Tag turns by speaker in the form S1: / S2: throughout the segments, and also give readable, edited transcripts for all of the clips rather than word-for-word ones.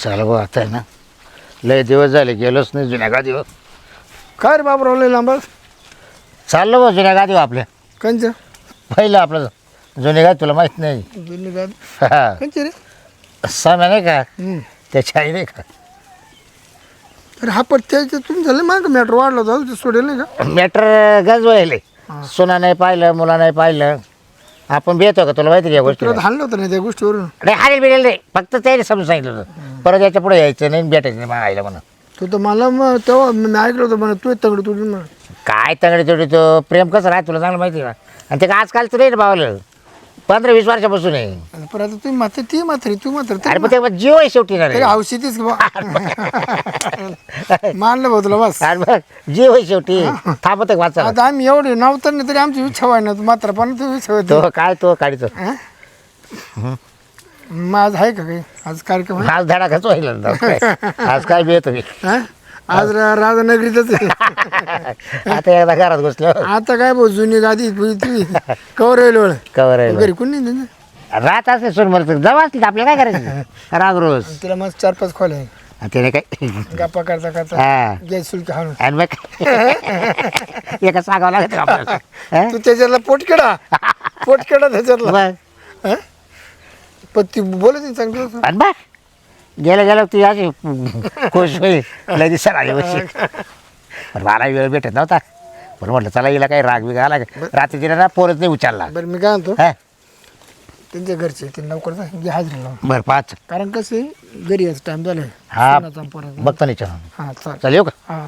S1: चला भाऊ आता आहे ना लय दिवस झाले गेलोच नाही जुन्या गादीवर.
S2: काय रे बाबराव लय लांब
S1: चाललो भाऊ जुन्या गादीवर आपल्या.
S2: कंच
S1: पहिलं आपलं जुने गादी तुला माहीत नाही.
S2: जुनी गादी
S1: हा
S2: कंच रे
S1: साम्या नाही का त्याची आई नाही का.
S2: अरे हा पण त्याचं तुम्ही झालं माग मॅटर वाढला होता ते सोडेल नाही का
S1: मॅटर गज वळले. सुना नाही पाहिलं मुला नाही पाहिलं आपण भेटतो का तुला माहिती आहे या गोष्टी.
S2: तुला हाणलं होतं नाही त्या गोष्टीवरून
S1: नाही हारेल बिरेल नाही फक्त त्याने समजून सांगितलं होतं परत याच्या पुढे यायचं नाही भेटायचं नाही मला आईला म्हणा.
S2: तू तर मला मग तेव्हा मी ऐकलं होतं म्हणा तू तंगड तुझी म्हणा
S1: काय तगडे तेवढे तो प्रेम कसं राहत तुला चांगलं माहिती आहे का. आणि ते आजकाल तर नाही भावलं 15-20 वर्षापासून आहे.
S2: पण आता तुम्ही मात्र ती मात्र तू मात्र
S1: अरे पण ते जीव आहे शेवटी ना रे.
S2: तरी औषधीच की बा मानलं भाऊ तुला बस
S1: अरे बघ जीव आहे शेवटी थांबत वाचा.
S2: आता आम्ही एवढे नव्हतं नाही तरी आमची इच्छा व्हाय ना मात्र पण तू इच्छा होती
S1: तो काय तो काढतो
S2: आज आहे का काही आज कार्यक्रम आहे?
S1: आज धडा खच व्हायला आज काय भेट तुम्ही
S2: हा? आज राधानगरीतच आहे.
S1: आता एकदा घरात घुसलो
S2: आता काय भाऊ जुनी गादी कवर येईल
S1: कवर आहे
S2: घरी कोणी नाही त्यांचं.
S1: रात असते सोन मला जवळ असली आपल्याला काय करायचं राग रोज.
S2: तिला मस्त 4-5 खोल आहे
S1: त्याने काय
S2: गप्पा करता करता
S1: हा
S2: गॅस शुल्क हाणून
S1: आणि मग एका सांगावं लागत का आपल्याला हा?
S2: तू त्याच्यातला पोटकेडा त्याच्यातला
S1: बघ
S2: हा? पण ती बोलत नाही चांगलं
S1: आणि बघ गेलं गेलं ती अशी खुश होईल लय दिवसाला आली बशी. पण मला वेळ भेटत नव्हता पण म्हटलं चला हिला काही राग बिग आला का रात्री तिला ना पोरच नाही उचलला.
S2: बरं मी काय म्हणतो
S1: हा
S2: त्यांच्या घरचे ते लवकर जा घे हाजरी लावून
S1: बरं पाच
S2: कारण कसं आहे घरी यायचं टाइम झालाय
S1: हा
S2: सणाचा पोराचा.
S1: बघतो नाही चल
S2: हा चाल
S1: चल येऊ का.
S2: हा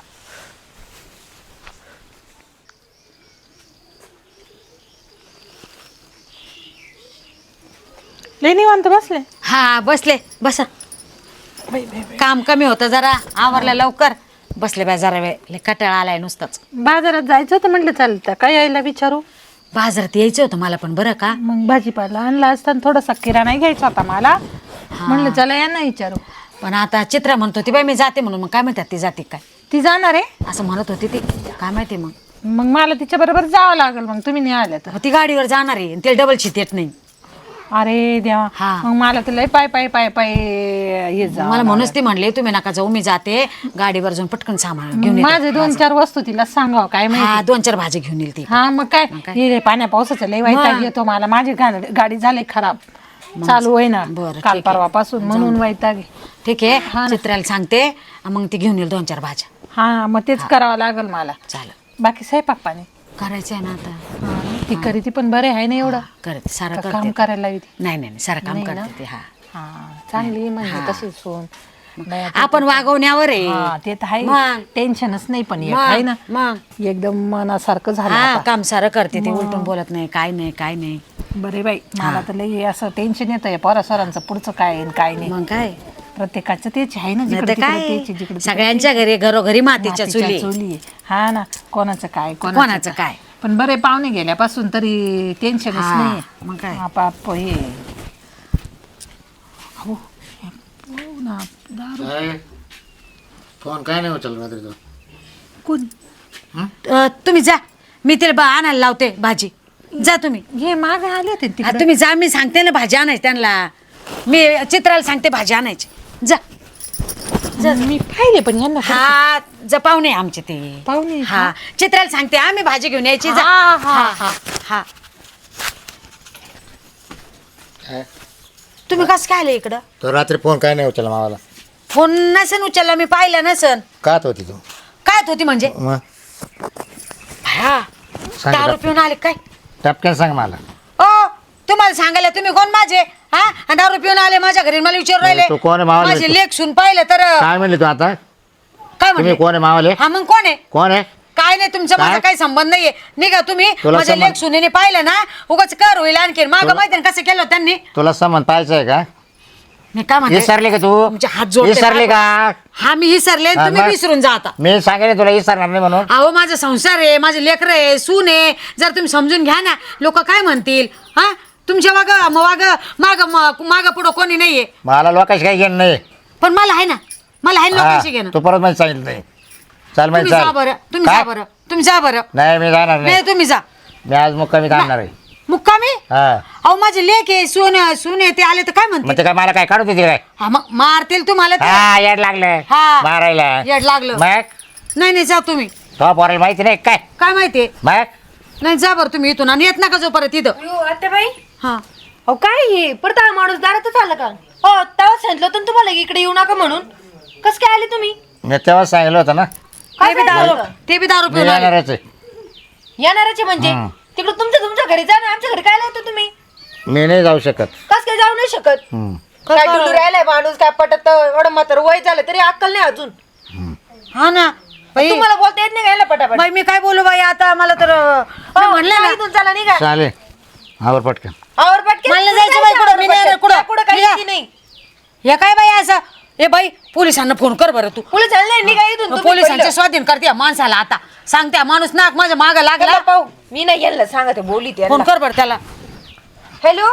S3: लय निवांत बसले.
S4: हा बसले बसा. काम कमी होतं जरा आवरलं लवकर बसले बाय जरा वेळ लय कटाळा आलाय नुसताच.
S3: बाजारात जायचं होतं म्हटलं चालतं काय यायला विचारू.
S4: बाजारात यायचं होतं मला पण बरं का.
S3: मग भाजीपाला आणला असताना थोडासा किराणा घ्यायचा होता मला म्हणलं चला यांना विचारू.
S4: पण आता चित्रा म्हणत होती बाई मी जाते म्हणून मग काय म्हणतात ती जाते काय
S3: ती जाणार आहे
S4: असं म्हणत होती ती काय माहिती मग.
S3: मग मला तिच्या बरोबर जावं लागेल मग तुम्ही नाही आल्या तर.
S4: मग ती गाडीवर जाणार आहे ते डबल शीट येत नाही.
S3: अरे देवा
S4: हा.
S3: मग मला तर लय पाय पाय पाय पाय हे जा
S4: मला म्हणूनच ती म्हणले तुम्ही नका जाऊ मी जाते गाडीवर जाऊन पटकन सामान घेऊन येते.
S3: माझे 2-4 वस्तू तिला सांगावं काय माहिती.
S4: हा 2-4 भाजी घेऊन येईल ती.
S3: हा मग काय हे पाण्या पावसाचं लय वैताग येतो मला. माझी गाडी झाली खराब चालू होई ना
S4: बरं,
S3: काल
S4: ठीक आहे.
S3: परवापासून म्हणून वैताग आहे.
S4: ठीक आहे चित्राला सांगते मग ती घेऊन येईल 2-4 भाज्या.
S3: हा मग तेच करावं लागेल मला.
S4: चालेल
S3: बाकी स्वयंपाक पाणी
S4: करायचं आहे ना आता.
S3: ती करी ती पण बरे आहे ना एवढं
S4: करते सारं
S3: का
S4: करते.
S3: काम करायला लावी ती.
S4: नाही नाही सारं काम
S3: नाही ना?
S4: करते ती. हा
S3: हा चांगली म्हणजे तशी सोन बाई आता-
S4: आपण वागवण्यावर आहे.
S3: हा, ते तर आहे
S4: मग.
S3: टेन्शनच नाही पण एक
S4: मग,
S3: आहे ना
S4: मग
S3: एकदम मनासारखं झालं
S4: हा
S3: आता.
S4: काम सारं करते ते उलटून बोलत नाही काय नाही काय नाही.
S3: बरे बाई मला तर लई असं टेन्शन येतं या पोरासोरांचं पुढचं काय आहे आणि काय नाही.
S4: मग काय
S3: प्रत्येकाचं तेच आहे ना
S4: नाही
S3: जिकडे
S4: तर काय
S3: तिकडे जिकडे
S4: सगळ्यांच्या घरी घरोघरी मातीच्या चुली.
S3: चोली आहे. हा ना कोणाचं काय
S4: कोणाचं काय.
S3: पण बरे पाहुणे गेल्यापासून तरी टेन्शनच
S4: हा,
S3: नाही.
S4: मग काय.
S3: आपाप हे अहो, हो ना, दारू.
S1: फोन काय नाही उचल रात्री तो.
S3: कोण
S4: तुम्ही जा मी तिला आणायला लावते भाजी. जा तुम्ही.
S3: हे मागे आले होते
S4: हा,
S3: तिकडे.
S4: तुम्ही जा मी सांगते ना भाजी आणायची त्यांना. मी चित्राला सांगते भाजी आणायची. जा
S3: मी पाहिले पण यांना
S4: हा जा पाहुणे आमचे ते
S3: पाहुणे
S4: हा चित्राला सांगते आम्ही भाजी घेऊन यायची. जा
S3: हा, हा,
S4: हा हा तुम्ही कसं काय आले इकडं.
S1: तो रात्री फोन काय नाही उचलला मावाला.
S4: फोन नसन उचलला मी पाहिलं नसन.
S1: कात होती तू
S4: काय होती म्हणजे
S1: मग
S4: हा
S1: सांग
S4: दारू पिऊन आले काय.
S1: टपक्यान सांग मला.
S4: ओ तुम्हाला सांगायला तुम्ही कोण माझे हा आणि दारू पिऊन आले माझ्या घरी मला विचारू राहिले.
S1: तू कोण आहे मावाले?
S4: माझे लेख सुन पाहिलं तर
S1: काय म्हणले तू आता
S4: काय
S1: तुम्ही
S4: म्हणले.
S1: कोण आहे मावाले
S4: हा मग कोण आहे
S1: कोण आहे.
S4: काय नाही तुमचा माझा
S1: काय?
S4: काही संबंध नाहीये. निघा तुम्ही.
S1: तुला
S4: माझ्या
S1: संबंध-
S4: लेख सुनेने पाहिलं ना उगाच कर होईल आणखी मागं माहिती ना कसं केलं त्यांनी.
S1: तुला संबंध पाहायचं आहे का.
S4: मी काय म्हणते
S1: विसरले का तू
S4: तुमचे हात जोडते.
S1: विसरले का.
S4: हा मी विसरले
S1: हा,
S4: तुम्ही
S1: मग?
S4: विसरून जा आता.
S1: मी सांगेन तुला विसरणार नाही म्हणून.
S4: अहो माझा संसार आहे माझे लेकर आहे सून आहे. जर तुम्ही समजून घ्या ना लोक काय म्हणतील. हा तुमच्या माग पुढं कोणी नाहीये.
S1: मला लोकांशी काही घेणं नाही.
S4: पण मला आहे ना लोकांशी
S1: हा,
S4: घेणं.
S1: तू परत मला सांगितलं नाही. चाल
S4: तुम्ही
S1: माहिती
S4: जा बरं तुम्ही जा बरं तुम्ही जा बरं.
S1: नाही मी जाणार
S4: नाही
S1: नाही.
S4: तुम्ही जा.
S1: मी आज मुक्कामी काढणार आहे.
S4: मुक्कामी
S1: हा
S4: अहो माझे लेक आहे सून आहे ते आले तर काय म्हणते
S1: मग ते काय मला काय काढू देते काय
S4: हा मग मारतील तुम्हाला ते.
S1: हा येड लागलं
S4: हा.
S1: मारायला
S4: येड लागलं
S1: मग
S4: नाही जा तुम्ही
S1: तो पोराला माहिती नाही काय
S4: काय माहितीये
S1: मग
S4: नाही जा बरं तुम्ही इथून आणि येत नका जो परत इथं
S5: आत्याबाई
S4: हा
S5: अहो काय हे परत हा माणूस दारातच आला का हो तेव्हा सांगितलं होतं ना तुम्हाला की इकडे येऊ नका म्हणून कस काय आले तुम्ही
S1: मी तेव्हाच सांगितलं होतं ना
S5: काय
S4: ते बी
S5: सांगितलं
S4: दारू
S5: होतं?
S4: ते बी दारू
S1: मी
S4: पिऊन आले
S1: येणारच आहे.
S5: येणारच आहे म्हणजे तिकडे तुमच्या घरी जा ना आमच्या घरी काय येतो तुम्ही
S1: मी नाही जाऊ शकत
S5: कस काय जाऊ नाही शकत
S1: हम्म.
S5: काय डुलू राहिलाय माणूस काय पटत एवढं म्हातार वय झालं तरी अक्कल नाही अजून
S4: हा ना बाई
S5: तुम्हाला बोलता येत नाही गायला पटापट
S4: बाई मी काय बोलू बाई आता मला तर मी म्हणलं ना
S5: इथून चला निघा
S1: चालेल आवर पटकन
S5: आवर पटकन
S4: मला नाही जायचं बाई कुठं, मी नाही येणार कुठं.
S5: कुठं काही
S4: निघा.
S5: माहिती नाही
S4: हे काय बाई असं ए बाई पोलिसांना फोन कर बरं तू
S5: पोलीस चालले निघा इथून तुम्ही
S4: पोलिसांचे
S5: पहिलं.
S4: स्वाधीन करते या माणसाला आता सांगते हा माणूस नाक माझ्या माग लागला
S5: चला पाहू मी नाही गेलं सांगा ते बोली
S4: फोन कर बरं त्याला
S5: हॅलो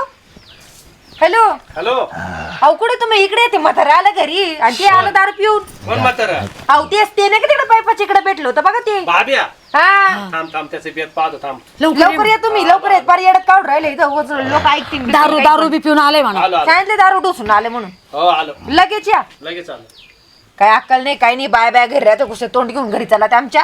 S5: हॅलो
S6: हॅलो
S5: अहो कुठे तुम्ही इकडे येते म्हातारा आलं घरी आणि ते आलं दारू पिऊन
S6: कोण म्हातारा
S5: अहो तेच ते नाही का तिकडे पाईपाच्या इकडे भेटलो होतं बघा ते
S6: बाब्या
S5: हा
S6: थांब त्याचे बेत पाहतो थांब
S5: लवकर या तुम्ही लवकर येत फार येडत काढून राहिले इथं लोक ऐकतील बिकतील
S4: दारू
S5: काही
S4: दारू
S5: पण.
S4: बी पिऊन आले म्हणा
S6: आलो आलो
S5: सांगितले दारू डोसून आले म्हणून
S6: हो आलो
S5: लगेच या
S6: लगेच आलो
S5: काय अक्कल नाही काही नाही बाय बाय घरी राहतो कुठे तोंड घेऊन घरी चला ते आमच्या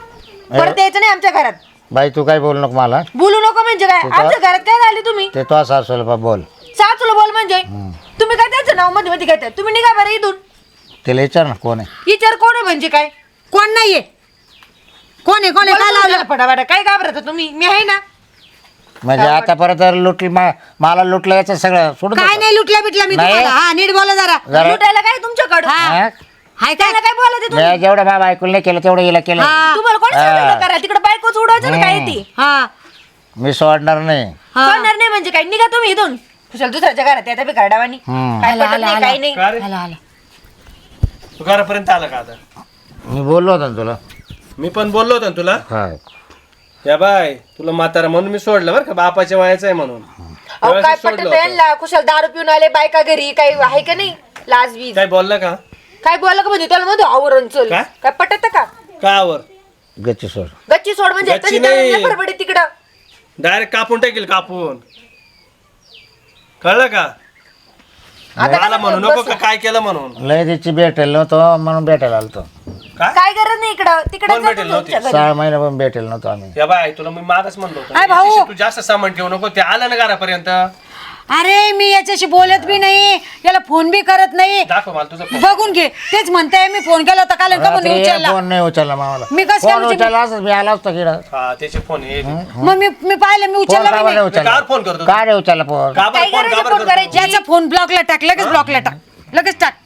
S5: परत यायचं नाही आमच्या घरात
S1: बाई तू काय बोलू नको मला
S5: बोलू नको म्हणजे काय
S1: तू का-
S5: आमच्या घरात काय झाले तुम्ही
S1: ते तो सासूला बोल
S5: सासूला बोल म्हणजे तुम्ही काय त्याचं नाव मध्ये मध्ये घेताय तुम्ही निघा बरं इथून
S1: तिला विचार ना कोण आहे
S5: विचार कोण आहे म्हणजे काय
S4: कोण नाहीये कोण आहे काय लावलं
S5: फटाफट काय घाबरता तुम्ही मी आहे ना
S1: म्हणजे आता परत लुटली मला लुटलं याचं सगळं सोडून
S4: काय
S1: देतो.
S4: नाही लुटल्या बिटल्या मी
S1: नाही.
S4: तुम्हाला हा नीट बोला जरा
S1: जरा
S5: लुटायला काय तुमच्याकडं
S4: हा.
S1: हा?
S4: हाय काय
S5: त्याला काय बोलायचं तुम्ही
S1: मी जेवढं बाबा ऐकून नाही केलं तेवढं हिला केलं
S4: हा.
S5: तुम्हाला कोण सांगितलं करा तिकडे बायकोच उडवायचं ना काय ती
S4: हा
S1: मी सोडणार नाही
S4: हा.
S5: करणार नाही म्हणजे काय निघा तुम्ही इथून कुशल दुसऱ्याच्या घरात येतात बी करडावानी
S1: हम्म.
S5: काय
S4: आला,
S5: पटत नाही
S4: आला,
S5: काही नाही
S6: का रे
S4: आला आला
S6: तू घरापर्यंत आला का आता
S1: मी बोललो होतो ना तुला
S6: मी पण बोललो होतो ना तुला
S1: हा
S6: या बाय तुला म्हातारा म्हणून मी सोडलं बरं का बापाच्या वयाचं आहे म्हणून
S5: अहो काय
S6: त्यावेळेस
S5: पटत
S6: सोडलं होतं.
S5: यांना कुशल दारू पिऊन आले बायका घरी काही आहे का नाही लाज बीज
S6: काय बोलला का
S5: काय बोललं का म्हणजे त्याला मध्ये आवरण चल
S6: काय?
S5: काय पटत का
S6: का आवर
S1: गच्ची सोड
S5: गच्ची सोड म्हणजे
S6: गच्ची
S5: तशी
S6: नाही.
S5: त्याला फडफडी तिकडं
S6: डायरेक्ट कापून टाकील कापून कळलं का
S5: आता
S6: मला
S5: कसं
S6: म्हणू
S5: बोल
S6: नको
S5: बसू?
S6: का काय केलं म्हणून
S1: लय तिची भेटेल नव्हतो म्हणून भेटायला आलतो
S6: काय
S5: काय गरज नाही इकडं तिकडे
S6: कोण भेटेल नव्हती?
S1: 6 महिने पण भेटेल नव्हतो आम्ही
S6: या बाय तुला मी मागच म्हणलो होतो
S4: काय भाऊ?
S6: याच्याशी तू जास्त सामान ठेवू नको ते आलं ना घरापर्यंत
S4: अरे मी याच्याशी बोलत बी नाही याला फोन बी करत नाही
S6: दाखव मला तुझा phone.
S4: बघून घे तेच म्हणताय मी फोन केला होता काल का म्हणून उचलला
S1: फोन नाही उचलला मामाला
S4: मी कसं काय
S1: फोन
S4: उचलू?
S1: उचलला असं मी आला असतो किडा
S6: हा त्याचे फोन हे
S4: मग मी पाहिलं मी
S1: फोन
S4: उचलला
S1: का
S4: बी
S1: बरं
S4: नाही.
S1: उचलला
S6: कार फोन करतो
S1: का रे उचलला फोन
S6: का बरं
S5: काय
S6: फोन
S5: करायचं
S6: का
S5: फोन
S6: बरं
S5: करायची?
S6: करतो?
S4: याचा फोन ब्लॉकला टाक लगेच ब्लॉकला टाक लगेच टाक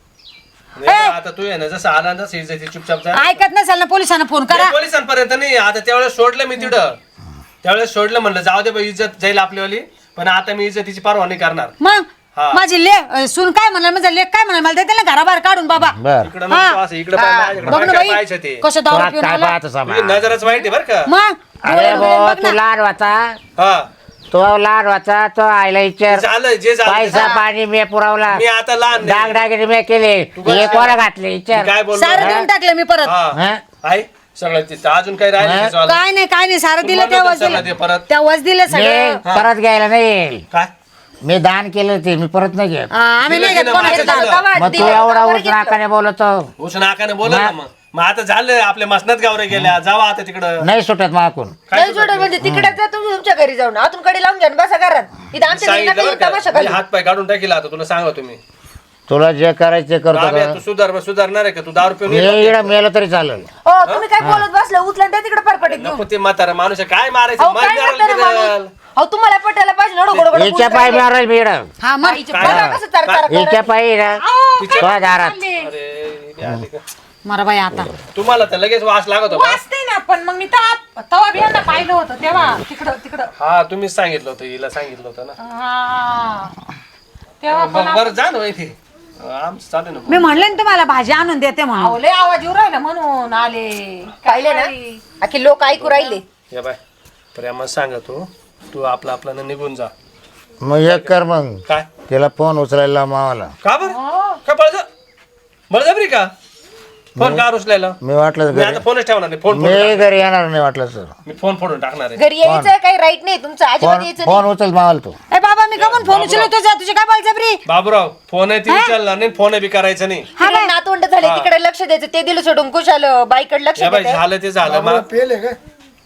S6: नाही, आता तू आहे ना जसं आला ना इज्जती चुपचाप जा
S4: ऐकत नसेल ना पोलिसांना फोन करा
S6: नाही, पोलिसांपर्यंत नाही आता त्यावेळेस सोडलं मी तिथं त्यावेळेस सोडलं म्हणलं जाऊ दे बाई इज्जत जाईल आपलीवाली पण आता मी इज्जतीची पर्वा नाही करणार
S4: मग
S6: हा.
S4: माझी सून काय म्हणाल माझा लेख काय म्हणाल मला त्याला घराबाहेर काढून बाबा
S1: बर
S6: इकडं नको असं इकडं पाय, माझ्याकडं
S4: बघ ना
S6: काय
S4: बाई
S6: पाहायचं ते
S4: कसं
S1: तो
S4: दारू
S1: आज
S4: पिऊन
S1: काय
S4: आला.
S1: पाहतो सामा
S6: तुझी नजरच वाईट आहे बरं का
S4: मग
S1: अरे
S4: बघ
S1: भाऊ
S4: ना.
S1: तू लहान वाचा
S6: हा
S1: तो लहान वाचा तो आईला विचार
S6: झालं जे झालं ते
S1: पैसा
S6: झालं.
S1: पाणी मी पुरवला
S6: मी आता लहान
S1: डाग
S6: नाही.
S1: डागिरी मी केले
S6: काय
S1: हे कोणा घातले
S6: मी
S1: विचार
S6: काय बोललो
S4: सारं देऊन टाकलं मी परत
S6: हा
S1: हा?
S6: आहे सगळं ते अजून काही राहिलं
S1: हा?
S6: त्याचं वालं?
S4: काय नाही सारं
S6: तू
S4: दिलं
S6: म्हणलं
S4: तेव्हाच
S6: तर सगळं
S4: दिलं
S6: दे परत
S4: तेव्हाच दिलं
S1: मी
S4: सगळं
S1: परत घ्यायला नाही येईल
S6: काय
S1: मी दान केलं ते मी परत नाही घेत
S4: हा, आम्ही नाही
S6: दिलं
S4: घेत
S6: की
S4: कोणाचं
S6: नाही
S4: दारू.
S6: माझं
S1: मग तू एवढा उच नाकाने बोलतो
S6: उस नाकाने बोला ना मग आता झालं आपल्या मसनात गावरे गेल्या जावा आता तिकडं
S1: नाही सुटत माकून
S6: काय
S5: नाही सोडत म्हणजे तिकडे जा तुम्ही तुमच्या घरी जाऊन आतून कडे लावून घ्या आणि बसा घरात इथं आमच्या घरी
S6: सांगितलं
S5: नका
S6: बरं
S5: येऊ तमाशा
S6: का? मी
S5: घालू.
S6: हात पाय काढून टाकील आता तुला सांगा तुम्ही
S1: तुला जे करायचं ते करतो
S6: बाब्या,
S1: का?
S6: तू सुधारणार आहे का तू दारू पिऊन
S1: मी
S6: येतो?
S1: इकडं मेलो तरी चालेल
S5: हो तुम्ही काय बोलत बसले उचला त्या तिकडे परपटीत घेऊन
S6: नको ते म्हातारा माणूस आहे, काय मारायचं
S5: अहो
S6: मार
S5: काय
S6: मारायला
S5: करता रे
S6: बिरायला.
S5: माणूस? अहो तुम्हाला पटायला पाहिजे ना गोड गोड
S1: हिच्या पाय मारायला मी इकडं
S4: हा मग
S5: बघा कसं तरतर
S1: हिच्या पायी ना तो दारात
S6: अरे इथे आली का?
S4: मरा बाई आता
S6: तुम्हाला तर लगेच वास लागत होता
S3: वाचते ना पण मग मी तवा बी यांना पाहिलं होतं तेव्हा तिकडं
S6: हा तुम्हीच सांगितलं होतं हिला सांगितलं होतं ना
S3: हा तेव्हा
S6: बरं जा ना इथे आमचं चालू ना
S4: मी म्हणले ना तुम्हाला भाजी आणून देते म्हणून
S3: आवले आवाज येऊ राहिला म्हणून आले
S5: पाहिले ना अख्खे लोक ऐकू राहिले
S6: या बाय प्रेमात सांगतो तू आपला आपल्यानं निघून जा
S1: मग एक कर मग
S6: काय
S1: तिला फोन उचलायला मावाला
S6: का बरं का बळजबरी का फोन का उचलायला
S1: मी वाटलं
S6: मी आता फोनच ठेवणार नाही फोन
S1: मी घरी येणार नाही वाटलं सर
S6: मी फोन फोडून टाकणार आहे
S5: घरी यायचं काही राईट नाही तुमचं अजिबात यायचं नाही.
S1: फोन उचल मावाल तू
S3: ए बाबा मी कमून फोन उचलतो तुझा तुझी काय बळजबरी
S6: बाबूराव फोन आहे ती उचलणार नाही फोन बी करायचं नाही
S5: तिकडे नातवंड झाले तिकडे लक्ष द्यायचं ते दिलं सोडून कुशाल बाईकडे लक्ष
S6: या बाई
S5: द्यायचं
S6: झालं ते झालं मग
S2: पेले काय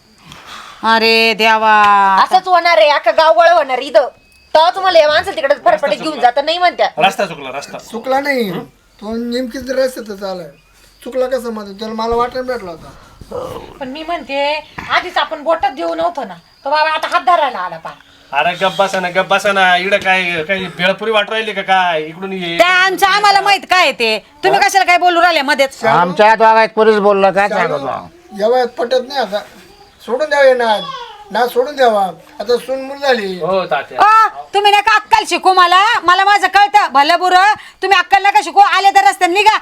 S3: अरे देवा
S5: असंच होणार आहे अख्खा गावगळ होणार इथं तेव्हा तुम्हाला या माणसं तिकडे फरफडीत घेऊन जाता नाही म्हणत्या
S6: रस्ता चुकला रस्ता
S2: चुकला नाही तो नेमकीच रस्त्यात आलाय चुकला कसं मध्ये त्याला मला वाटायला भेटला होता
S3: पण मी म्हणते आधीच आपण बोटात देऊ नव्हतो ना तो बाबा आता हात धरायला आला पा
S6: अरे गप्प बसा ना इकडं काय काही भेळपुरी वाट राहिली का काय इकडून ये
S3: त्या आमचं आम्हाला माहित काय ते तुम्ही कशाला काय बोलू राहिले मध्येच
S1: आमच्या दोघात पोलीस बोललं काय सांगतो
S2: या वयात पटत नाही आता सोडून द्यावे ना सोडून द्यावा आता सून मुल झाली
S6: हो तात्या
S3: तुम्ही नका अक्कल शिकू मला मला माझं कळतं भलं बुरं तुम्ही अक्कल नका शिकू आले तर रस्त्याने निघा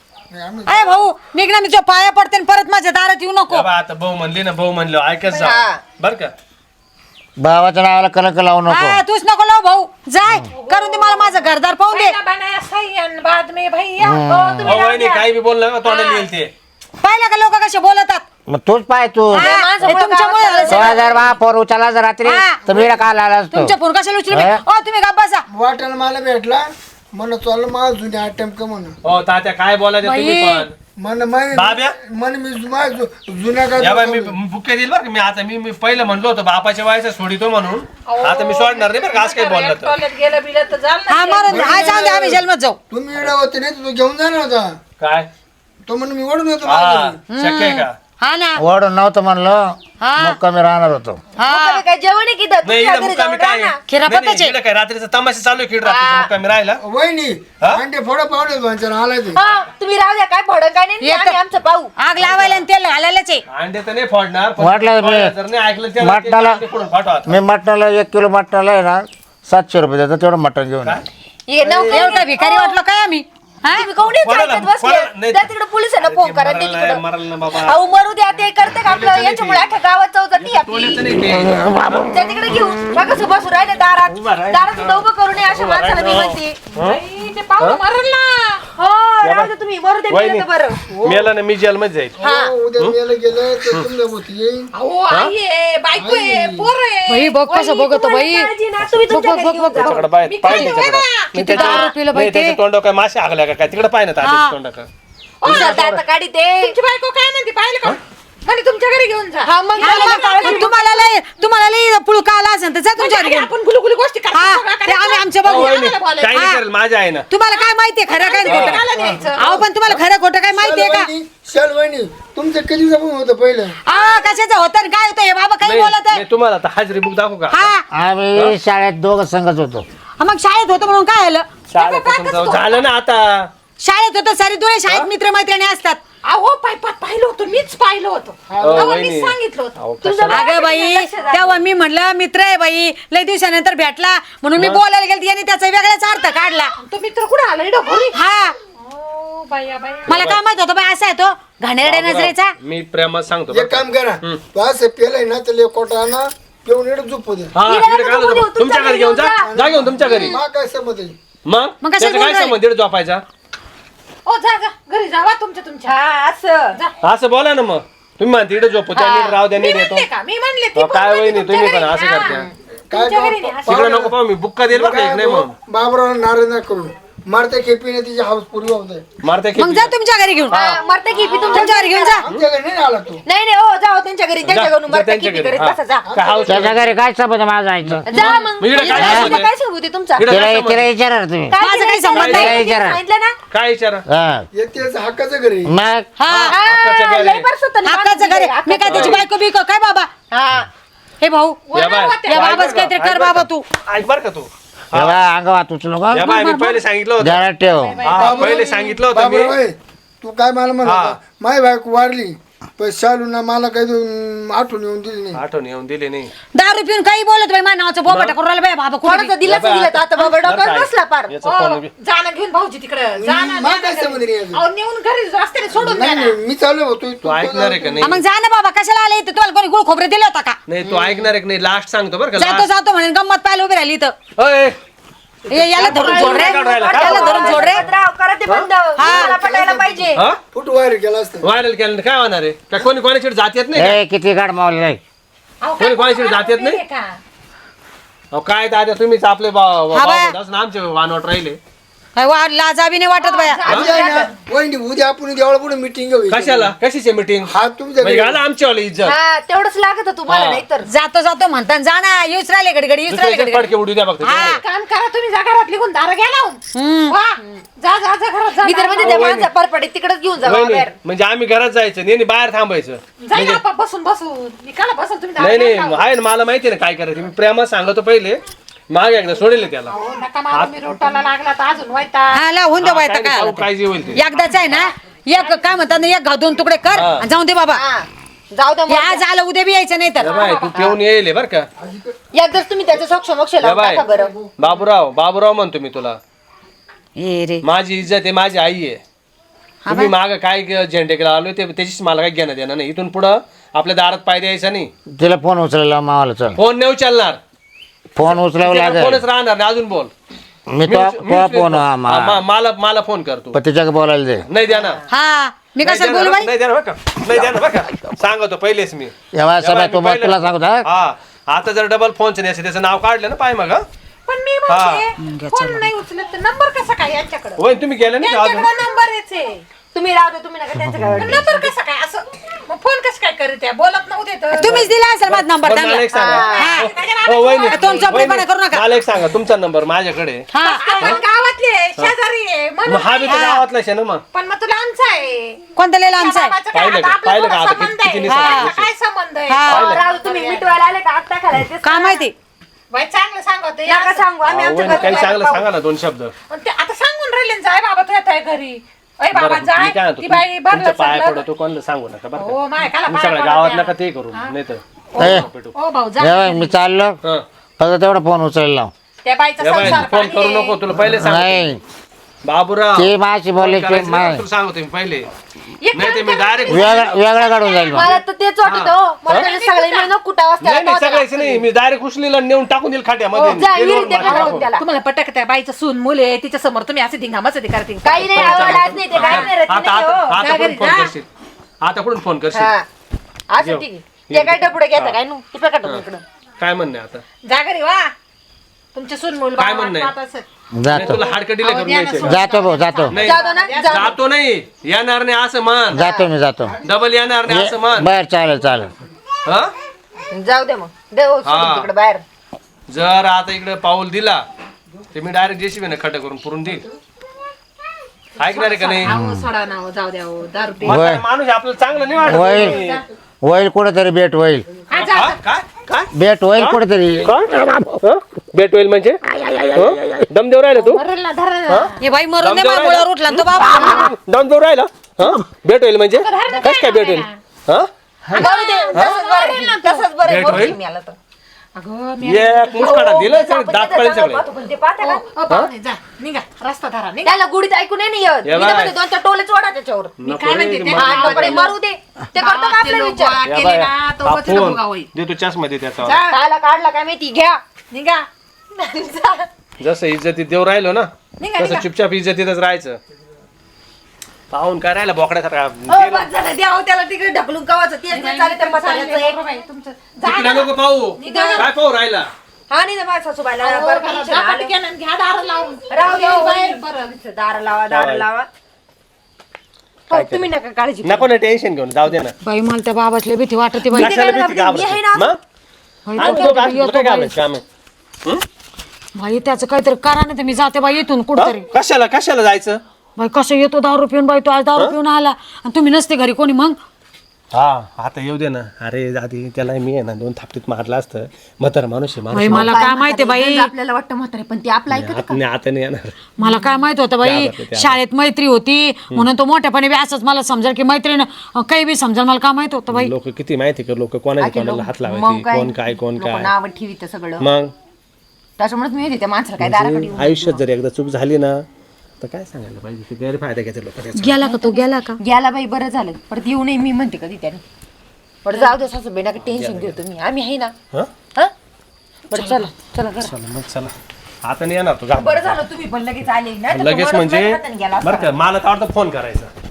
S3: अरे भाऊ निघणार मी तुझ्या पाया पडते आणि परत माझ्या दारात येऊ नको
S6: या बा, आता भाऊ म्हणली ना भाऊ म्हणलो ऐकच जा बर का
S1: भावाच्या नावाला कलंक लावू नको
S3: हा, तूच नको लाव भाऊ जाय करून दे मला माझं घरदार पाहून दे बाद में भैया
S6: अहो, वहिनी काही बी बोललं ना तोंडाला येईल ते
S3: पाहिलं का लोक कसे बोलतात
S1: मग तूच पाय तू
S3: हे तुमच्यामुळे झालं सगळं.
S1: 2000 फोन उचलला जर रात्री
S3: हा.
S1: तर मी काल आला असतो
S3: तुमच्या फोन कशाला उचलू
S1: हा?
S3: ओ तुम्ही का बसा
S2: वाटायला मला भेटला म्हण चाललं मला जुन्या अटेम्प्ट का म्हण
S6: हो तात्या काय बोलायचं तुम्ही पण बाब्या?
S2: मन मी जुन्या
S6: या बाई
S2: काय
S6: मी बुके देईल बरं का. मी आता मी पहिलं म्हणलो होतो बापाच्या वयाचा सोडितो म्हणून आता मी सोडणार नाही बरं का आज काही बोललं तर
S3: हा मारून हा जाऊन दे आम्ही जन्मत जाऊ
S2: तुम्ही येडा होते नाही तू घेऊन जाणार होता
S6: काय
S2: तो म्हणून मी ओढून येतो
S6: हा
S2: माझ्या घरी.
S6: शक्य आहे का
S3: हा ना
S1: ओढून नव्हतं म्हणलं मग कमी राहणार होतो
S5: मुक्कामी काय जेवण आहे की इथं?
S6: नाही
S5: तुमच्या
S6: इकडं
S5: घरी जाऊन
S6: मुक्कामी काय
S5: राहा ना.
S3: खिरापताचे.
S6: इकडं काय रात्रीचा तमाशा चालू आहे किड रात्रीचा मुक्कामी राहिला
S2: वहिनी
S6: हा?
S2: अंडे फोडा पावले दोनच्या आलाय ते
S5: हा तुम्ही राहू द्या काय फड काय नाही
S3: येतं.
S5: आम्ही आमचं पाहू
S3: आग लावायला आणि तेल घालायलाच आहे
S6: अंडे तर नाही फोडणार पण
S1: वाटलं मी-
S6: फोडलं जर नाही ऐकलं त्याला ते
S1: मटणाला-
S6: अंडे फोडून फाटवा आता.
S1: मी मटणाला 1 किलो मटणाला आहे ना 700 रुपये देतो तेवढं मटण घेऊन ये.
S5: ये नोकरी
S3: एवढं काय भिकारी वाटलो काय आम्ही हा?
S5: तुम्ही कोणी
S6: कोणाला-
S5: ऐकत बसले
S6: कोणाला- नाही.
S5: त्या तिकडे पोलिसांना फोन करा ते
S6: मरायला
S5: तिकडं
S6: मरायला ना बाबा
S5: अहो मरू द्या ते करते का आपलं याच्यामुळे अख्ख्या गावात चौकटी आपली
S6: तोल्याचं नाही ते
S5: त्या तिकडे घेऊ बघा बसू राहिले दारात दारात सुद्धा उभं करू नये अशा माणसाला मी म्हणते
S3: ते पाहुणं मरल ना
S5: हो राहू दे तुम्ही मरू दे
S6: वहिनी
S5: मेलं तर बरं
S6: मेला ना मी जेलमध्ये जाईल
S2: हो, उद्या मेलं गेलं तर तुमच्या भोवती येईन
S3: अहो आई आहे बायको आहे पोर आहे
S4: बाई बघ कसं बघतो बाई
S5: काळजी ना, तुम्ही तुमच्या घरी घेऊन जा.
S6: त्याच्याकडे पाय पाय त्याच्याकडे
S3: किती दारू पिलं बाई ते
S6: त्याच्या तोंडावर काय मासे हागल्या का काय तिकडे पाय ना तात्याच्या तोंडाकडे
S5: कुशाल आता काढी ते
S3: तुमची बायको काय म्हणते पाहिलं का म्हणे तुमच्या घरी घेऊन जा
S5: हा, मग
S3: हा,
S5: त्याला
S3: मग
S5: काळजी
S3: तुम्हाला लई पुळका आला असेल तर जा तुमच्या घरी घेऊन.
S4: आपण गुलगुली गोष्टी
S3: हा, ते आम्ही आमच्या बघू
S6: काही नाही करेल माझ्या आहे ना
S3: तुम्हाला काय माहितीये खरं काय खोटं अहो पण तुम्हाला खरं खोटं काय माहितीये का
S2: शाल वहिनी तुमचं कधी जपून होतं पहिलं
S3: कशाचं होतं आणि काय होतं हे बाबा काही बोलत आहे
S6: नाही, तुम्हाला आता हाजरी बुक दाखवू का
S3: हा
S1: आम्ही शाळेत दोघं संघच होतो
S3: मग शाळेत होतं म्हणून काय आलं
S6: शाळेपासून जाऊ. झालं ना आता
S3: शाळेत होतं सारी दोन्ही शाळेत मित्र मैत्रिणी असतात
S4: अहो पाहिलं होतं मीच पाहिलं होतं
S6: अहो,
S4: तेव्हा
S6: वहिनी.
S4: मी सांगितलं होतं
S6: अहो, कशाला?
S3: अगं बाई तेव्हा मी म्हणलं मित्र आहे बाई लय दिवसानंतर भेटला म्हणून मी बोलायला गेली याने त्याचा वेगळाच अर्थ काढला
S4: तो मित्र कुठे आला इकडं घरी
S3: हा
S4: बाया बाया
S3: मला काय माहित होतं बाई असा आहे तो घाणेरड्या नजरेचा
S6: मी प्रेमात सांगतो बरं
S2: एक
S6: का.
S2: काम करा तू असं पेलय ना तर कोटा ना पिऊन येणं झोपू दे
S6: हा
S5: हिला
S6: तिकडे
S5: नका
S6: काय
S5: झोपू देऊ,
S6: होतं? तुमच्या घरी घेऊन जा जा घेऊन तुमच्या घरी
S2: मा काय समज आहे
S6: मग
S3: मग कशाला
S6: त्याचं
S3: बोलून
S6: काय
S3: राहिले?
S6: संबंध दीड झोपायचा
S4: ओ जा घरी जावा तुमच्या
S5: हा असं
S6: असं बोला ना मग तुम्ही म्हणते इकडे झोपू त्या नीट राव द्या
S4: मी
S6: नीट येतो
S4: म्हणले का मी म्हणले ती
S6: अहो,
S4: पण
S6: काय
S4: म्हणते
S6: वहिनी
S4: तुमच्या
S6: तुम्ही पण
S4: घरी.
S6: असं
S4: हा.
S6: करते
S2: काय
S4: तुमच्या घरी नाही,
S6: तिकडे नको पाहू मी बुक्का देईल बरं का एक नाही मग
S2: बाबराव नाराज नाही करून मारत्या खेपीने तिची हाऊस पुरी होत आहे
S6: मारते
S3: मग जा तुमच्या घरी घेऊन
S5: मरते की मी
S3: तुमच्या घरी घेऊन जा
S2: आमच्या घरी नाही आला तू
S5: नाही नाही हो जाओ त्यांच्या घरी त्यांच्या घरून मरते
S6: त्यांच्या
S5: की
S6: घरी
S5: करीत
S6: हा.
S5: बसा जा
S6: काय हाऊस
S1: त्याच्या घरी काय संबंध माझा जायचं
S5: जा मग
S6: मी इकडे काय
S5: हिला
S6: सांगू
S5: काय सांगू ते तुमचा
S6: इकडे काय
S1: तिला विचारा तुम्ही
S5: काय
S3: माझं काही
S5: केलं?
S3: संबंध
S5: काय
S1: नाही.
S5: केलं? सांगितलं ना
S6: काय विचारा
S1: हा
S2: येतेच हक्काचं घरी
S1: मग
S3: हा
S6: हक्काचं
S5: हा,
S6: घर
S5: लय
S6: आहे.
S5: बरं होतं ना,
S3: हक्काचं घरी मी काय त्याची बायको बिको काय बाबा
S5: हा
S3: हे भाऊ
S6: या बाय.
S3: या बाबाच काहीतरी कर बाबा तू
S6: ऐक बर का तू
S1: तेव्हा अंगावात उचलू नको
S6: या बाय मी पहिले सांगितलं होतं
S1: जरा ठेव
S6: हा पहिले सांगितलं होतं मी
S2: बाबराव तू काय मला म्हणत
S6: हा.
S2: होता? माय बायको वारली पण शालू ना मला काही आठवण येऊन दिली नाही
S6: आठवण येऊन दिली नाही
S3: दारू पिऊन काही बोलत बाई माझ्या नावाचं बोबट करून राहिलं बाई बाबा कोणाचं
S5: कोणाचं दिलंच दिलं आता बाबा डॉक्टर बसला पार
S6: याचा फोन बी-
S4: जाणं घेऊन भाऊजी तिकडे जाणं
S2: मला काय समज नाही अजून.
S4: अहो नेऊन घरी रस्त्याने सोडून द्या
S2: नाही
S4: ना.
S2: नाही, मी चालू होतो
S6: तू ऐकणार आहे का नाही
S3: मग जा ना बाबा कशाला आले इथं तुम्हाला कोणी गुळ खोबरे दिलं होता का
S6: नाही तू ऐकणार आहे का नाही लास्ट सांगतो बरं का
S3: जातो
S6: लास्ट
S3: जातो म्हणून गंमत पाहायला उभी राहिली इथं
S6: अय
S3: याला धरून सोड रे, याला धरून सोड रे.
S5: राव, करा ते बंद मला पटायला पाहिजे.
S6: हा
S2: फुट वायर केला असतं.
S6: व्हायरल केलं काय होणार आहे काय कोणी कोणाची जात येत नाही का?
S1: ए किती गाड मावली नाही
S6: कोणी कोणाची जात येत नाही अहो काय दादा तुम्हीच आपले आमचे वानवट राहिले
S3: काय वा लाजा बी नाही वाटत बाया.
S2: उद्या आहे ना, वहिनी उद्या आपण देवळा पुढे मिटिंग घेऊ.
S6: कशाला कशाची मीटिंग
S2: हा तुमच्या घरी.
S6: घाला आमची इज्जत
S5: हा तेवढंच लागत तुम्हाला, नाही तर
S3: जातो जातो म्हणता जा ना येऊच राहिले घडी घडी येऊच राहिले घडी घडी.
S6: फडके उडू द्या फक्त
S4: काम करा तुम्ही, जा घरात लिहून दारा घ्या लावून. वा, जा जा जा घरात जा.
S5: मी तर म्हणजे त्या माणसा परपडे तिकडेच घेऊन जावा
S6: वहिनी,
S5: बाहेर.
S6: म्हणजे आम्ही घरात जायचं नाही बाहेर थांबायचं
S4: जाईल आपा बसून बसून मी काला बसून तुम्ही दारा
S6: नाही
S4: घ्या
S6: नाही
S4: लावून.
S6: आहे ना मला माहिती आहे ना काय करायचं मी प्रेमात सांगतो पहिले माग एकदा सोडेल त्याला
S4: हो, नका मारू, मी रोटाला लागला तर अजून व्हायता.
S3: हा लावून दे बाय काय आलं ते.
S6: काय जे होईल ते
S3: एकदाच आहे ना एक काय म्हणतात ना एक घाव दोन तुकडे कर
S6: हा.
S3: आणि जाऊन दे बाबा.
S5: हा, जाऊ द्या
S3: हे आज आलं उद्या बी यायचं नाही तर.
S6: या बाय तू ठेवून येईल बर का
S5: एकदाच तुम्ही त्याचं सोक्ष मोक्ष
S6: या
S5: लावून
S6: बाय
S5: टाका बरं.
S6: बाबूराव म्हणतो मी तुला
S3: ए रे
S6: माझी इज्जत आहे माझी आई आहे तुम्ही माग काय झेंडे केला आलो ते त्याचीच मला काय घेणं देणं नाही इथून पुढं आपल्या दारात पाय द्यायचा नाही
S1: तिला फोन उचलायला मावाला चल
S6: फोन नाही उचलणार
S1: फोन उचलावं लागेल
S6: फोनच राहणार नाही अजून बोल
S1: मी तो फोन
S6: मला फोन करतो
S1: पण तिच्याकडे बोलायला दे
S6: नाही द्या ना
S3: हा मी कसं बोलू बाई.
S6: नाही द्या ना बरं का नाही द्या ना बरं का सांगतो पहिलेच मी
S1: एवढा सभा
S6: मी पहिलं-
S1: तुला सांगतो हा?
S6: हा आता जर डबल फोनचं नाही त्याचं नाव काढलं ना पाय मग हा?
S4: पण मी म्हणते फोन नाही उचलत तर नंबर कसा काय यांच्याकडे?
S6: होय तुम्ही गेले नाही का अजून
S4: त्यांच्याकडे नंबर याचे
S5: तुम्ही राहू दे, तुम्ही नका त्यांचं काय
S4: नंबर कसा काय असं मग फोन कसं काय करीत आहे? बोलत नव्हते तर
S3: तुम्हीच दिला असेल माझा नंबर
S6: बरं, मला एक सांगा हो, वहिनी,
S3: तोंड चपडेपणा करू नका.
S6: मला एक सांगा तुमचा नंबर माझ्याकडे
S3: हा
S4: आपण गावातले आहे, शेजारी आहे
S6: मग
S4: म्हणून
S6: हा बी तर गावातलाच आहे ना मग
S4: पण मग तुला आमचा आहे
S3: कोणता लिहिला आमचा आहे?
S4: बाबाचा काय
S6: पाहिलं
S4: आता
S6: का?
S4: आपला
S6: पाहिलं का?
S4: थोडा
S6: आता
S4: संबंध
S6: किती
S4: आहे.
S6: निसर्ग
S4: आता काय संबंध आहे
S3: हा.
S5: राहू दे, तुम्ही मिटवायला आले का आता घालायचे
S3: काय माहिती
S4: बाई चांगलं सांगते
S5: नका सांगू आम्ही आमच्या
S6: वहिनी, काही
S5: घरी
S6: चांगलं सांगा ना दोन शब्द
S4: आता सांगून राहिले ना, जाय बाबा तू येत आहे घरी अय बाबा
S6: बरं, मी
S4: जाय
S6: काय म्हणतो,
S4: ती बाई
S6: तुमच्या
S4: भरलं
S6: पाया
S4: चाललं.
S6: पडतो कोणाला सांगू नका बरं
S4: हो माय
S6: का
S4: काला
S6: तुम्ही
S4: पाया
S6: सगळ्या
S4: पडत
S6: गावात
S4: आहे.
S6: नका ते करू नाही तर
S1: ए,
S4: ओ भाऊ जा
S1: जेव्हा मी चाललो
S6: हं.
S1: फक्त तेवढा फोन उचलायला लाव.
S4: त्या बाईचा
S6: या बाई,
S4: संसार
S6: फोन करू
S4: पाणी
S6: नको तुला पहिले सांग
S1: नाही
S6: बाबूराव
S1: ते माझी बोलायची
S6: करायचं नाही,
S1: मा-
S6: तुला सांगतो मी पहिले
S4: एक
S6: नाही ते मी डायरेक्ट
S1: वेगळा काढून जाईल मग.
S5: मला तर तेच वाटत हो मला तर सगळे मिळून कुठं
S6: नाही नाही
S5: वाजता
S6: सगळ्याच नाही मी डायरेक्ट उचलीला नेऊन टाकून देईल खाट्यामध्ये
S5: जा,
S6: गेलो
S5: विहिरीत
S6: माझ्या
S5: टाकून
S6: टाकून.
S5: त्याला.
S4: तुम्हाला पटक त्या बाईचं सून मुले आहे तिच्या समोर तुम्ही असे धिंगामाच ते करते
S5: काही नाही आवडलाच नाही ते काही नाही रचना
S6: आता
S5: नाही,
S6: आता
S5: हो.
S6: आता कुठून फोन करशील आता कुठून फोन करशील
S5: हा असं ठीक आहे ते काय डपुडे घ्यायचं काय नु ते पकड इकडं
S6: काय म्हणणे आता
S4: जा घरी वा तुमचे सून मुल
S6: काय म्हणणं आहे? नाही,
S1: जातो
S6: तुला हाडकं करून यायचं
S1: जातो भाऊ जातो
S6: नाही
S5: जाऊ दे ना जाऊ
S6: जातो नाही येणार नाही असं मान
S1: जातो मी जातो
S6: डबल येणार नाही असं मान
S1: बर चालेल चालेल
S6: हा
S5: दे. जाऊ दे मग दे हो सोडून
S6: हा.
S5: तिकडे बाहेर
S6: जर आता इकडे पाऊल दिला तर मी डायरेक्ट जेसीबी ने खड्डा करून पुरून देईल ऐकणार आहे का नाही
S4: अहो, सोडा ना हो, जाऊ द्या हो, दारू पे
S6: म्हातारा माणूस आहे, आपल्याला चांगलं नाही वाटत
S1: होईल होईल कुठेतरी भेट होईल
S4: हा, जा,
S6: हा?
S4: जा.
S6: काय काय
S1: भेट होईल कुठेतरी
S6: भेट होईल म्हणजे दम देऊ राहिला तू
S4: मरेल ना, धरा ना.
S3: हे बाई मरून दे
S6: दमदार आहे
S3: मुळावर उठला ना तो बाबा.
S6: दम देऊ राहिला भेट होईल म्हणजे कस काय भेट होईल हा
S5: जाऊ दे तसंच बरं तसंच बरं
S6: भेट
S5: बोलते
S6: होईल?
S5: मी आला तर
S4: अगं मी
S6: एक मुसकाडा दिलं सगळं दात पडेल सगळे
S5: पण ते पाहता का
S4: ओ, पाहुणे, जा निघा रस्ता धरा निघा
S5: त्याला गुडीत ऐकून नाही येत
S6: या
S5: मी
S6: बाय.
S5: तर म्हणते दोन चार टोलेच वाढा त्याच्यावर
S4: मी काय म्हणते ते
S5: हा, कपडे मारू दे ते करतो का
S4: गावातले
S5: आपला
S4: लोक
S5: विचार
S4: गोळा केले ना तो
S6: हा
S4: वचन
S6: फोन
S4: भोगा होईल.
S6: देतो चष्मा दे त्याचा
S4: जा,
S5: कायला काढला काय माहिती घ्या
S4: निघा
S6: जसं इज्जतीत देऊ राहिलो ना
S4: निघा,
S6: तसं
S4: निघा.
S6: चुपचाप इज्जतीतच राहायचं पाहून काय राहिला बोकड्यासारखा
S5: ओ बस झालं द्या हो त्याला तिकडे ढकलून कवाचं तेच नाही चालेल त्या म्हाताऱ्याचं एक
S4: बाई, तुमचं जा
S6: तिकडे नको पाहू काय पाहू राहिला
S5: हा नाही ना माझ्या सासूबाईला
S4: अहो,
S5: बरं
S4: घरात
S5: टेन्शन
S4: जा,
S5: आलं.
S4: पटकन आणि घ्या दार लावून
S5: राहू दे हो,
S4: बाहेर
S5: बरं दार लावा दार लावा हो, तुम्ही नका काळजी करू.
S6: नको ना टेन्शन घेऊन जाऊ दे ना
S3: बाई मला त्या बाबासले भीती वाटते बाई.
S6: कशाला
S5: काय
S6: भीती
S5: मी आहे ना.
S6: घाबरते? मग? आम्ही दोघं असतो, तुला काय घाबरायचं काम आहे?
S3: बाई त्याचं काहीतरी करा ना तर मी जाते बाई इथून कुठतरी.
S6: हं? कशाला जायचं
S3: बाई कसं येतो दारू पिऊन बाई तो आज दारू पिऊन आला आणि तुम्ही नसते घरी कोणी मग.
S6: हा आता येऊ दे ना अरे आधी त्याला मी आहे ना 2 थापटीत मारलं असतं म्हातारा माणूस आहे
S3: बाई मला काय माहिती बाई
S5: आपल्याला वाटतं म्हातारे पण ते आपलं ऐकत
S6: आता नाही येणार
S3: मला काय माहित होतं बाई शाळेत मैत्री होती म्हणून तो मोठ्यापणे बी असंच मला समजेल की मैत्रीण काही बी समजेल मला काय माहित होतं बाई.
S6: लोक किती माहिती का लोक कोणाला हात लावायचे कोण काय
S5: नाव ठेवीत सगळं
S6: मग
S5: त्याच्यामुळे मी येते त्या माणसाला काय दाराकडे येऊन.
S6: आयुष्यात जर एकदा चूक झाली ना तर काय सांगायला पाहिजे ते गैरफायदा घेते लोक त्याचा
S3: गेला का तो गेला का.
S5: गेला बाई बरं झालं परत येऊ नये मी म्हणते कधी त्याने बरं जाऊ दे सासूबाई नका टेन्शन घेऊ तुम्ही आम्ही आहे ना
S6: हं?
S5: हा बरं चला चला घरा
S6: चला मग चला आता नाही येणार तो जा.
S5: बरं झालं तुम्ही पण लगेच आले नाही तर
S6: लगेच
S5: तुम्हाला
S6: म्हणजे
S5: हाताने गेला असता.
S6: बरं का मला तर वाटतं फोन करायचा